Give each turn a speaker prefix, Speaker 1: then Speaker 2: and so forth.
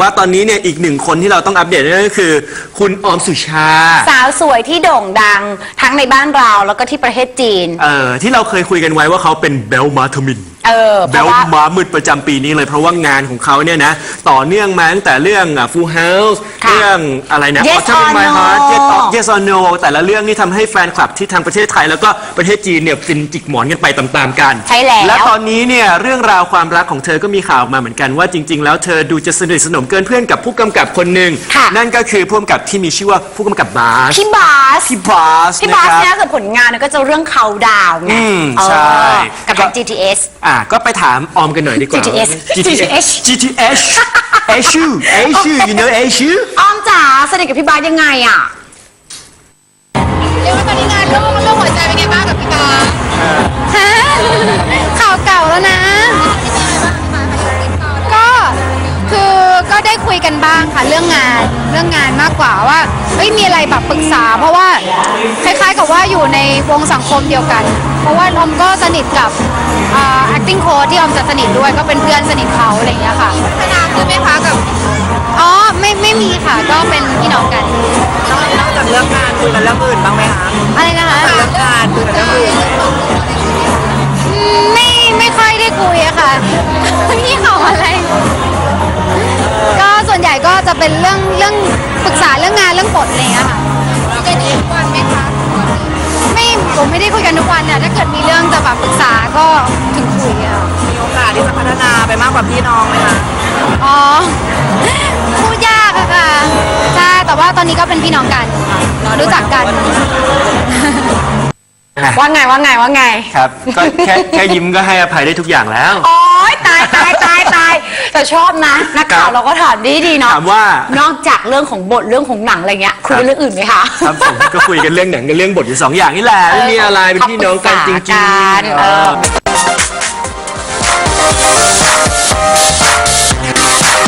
Speaker 1: ว่าตอนนี้เนี่ยอีกหนึ่งคนที่เราต้องอัปเดตนั่นก็คือคุณออมสุชา
Speaker 2: สาวสวยที่โด่งดังทั้งในบ้านเราแล้วก็ที่ประเทศจีน
Speaker 1: ที่เราเคยคุยกันไว้ว่าเขาเป็นเบลมาทมินเบลมามืดประจำปีนี้เลยเพราะว่างานของเขาเนี่ยนะต่อเนื่องมาตั้งแต่เรื่อง Full House เรื่องอะไรนะ
Speaker 2: Yes or
Speaker 1: My
Speaker 2: No
Speaker 1: Heart Yes or No แต่ละเรื่องนี่ทำให้แฟนคลับที่ทางประเทศไทยแล้วก็ประเทศจีนเนี่ยฟินจิกหมอนกันไปตามๆกัน
Speaker 2: ใช่แล้ว
Speaker 1: และตอนนี้เนี่ยเรื่องราวความรักของเธอก็มีข่าวมาเหมือนกันว่าจริงๆแล้วเธอดูจะสนิทสนมเกินเพื่อนกับผู้กำกับคนหนึ่งนั่นก็คือผู้กำกับที่มีชื่อว่าผู้กำกับบาส
Speaker 2: พี่บาสเนี่ยคือผลงานก็จะเรื่องเขาดาวไง
Speaker 1: ใช่
Speaker 2: กับ GTS
Speaker 1: ก็ไปถามออมกันหน่อยดีกว่า GTS Asu you know Asu
Speaker 2: ออมจ๋าสนิทกับพี่บาสยังไงอ่ะ
Speaker 3: เรียกว่าตอนนี้งานโลกหัวใจเป็นไงบ้างกับพี่บาส
Speaker 4: ข่าวเก่าแล้วนะก็ได้คุยกันบ้างค่ะเรื่องงานมากกว่าว่ามีอะไรแบบปรึกษาเพราะว่าคล้ายๆกับว่าอยู่ในวงสังคมเดียวกันเพราะว่าออมก็สนิทกับacting coach ที่ออมจะสนิทด้วยก็เป็นเพื่อนสนิทเขาอะไรอย่างเงี้ยค่ะ
Speaker 3: พัฒนาคือไหมคะกับ
Speaker 4: อ๋อไม่มีค่ะก็เป็นพี่น้องกัน
Speaker 3: นอกจากเรื่องงานคุยกันเรื่องอื่นบ้างไหมคะ
Speaker 4: อะไรนะคะ
Speaker 3: เรื่องงานคุยกันเรื่องอื่น
Speaker 4: ไม่ค่อยได้คุยอะค่ะพี่เขาอะไรก็ส่วนใหญ่ก็จะเป็นเรื่องปรึกษาเรื่องงานเรื่องบทอะไรอย่างเงี้ยค่ะ
Speaker 3: คุยกันทุกวันไหมคะ
Speaker 4: ผมไม่ได้คุยกันทุกวันเนี่ยถ้าเกิดมีเรื่องจะแบบปรึกษาก็ถึงคุยอะ
Speaker 3: มีโอกาสที่จะพัฒนาไปมากกว่าพี่น้องไหมคะ
Speaker 4: อ๋อพูดยากอะค่ะใช่แต่ว่าตอนนี้ก็เป็นพี่น้องกันรู้จักกัน
Speaker 2: ว่าไง
Speaker 1: ครับก็แค่ยิ้มก็ให้อภัยได้ทุกอย่างแล้ว
Speaker 2: โอ๊ยตายแต่ชอบนะนักข่าวเราก็ถามดีเนาะ
Speaker 1: ถามว่าน
Speaker 2: อกจากเรื่องของบทเรื่องของหนังอะไรเงี้ยคุยเรื่องอื่นไหมคะ
Speaker 1: ครับผมก็คุยกันเรื่องหนังกับเรื่องบทอยู่2 อย่างนี่แหละไม่มีอะไรเป็นพี่น้องกันจริงๆ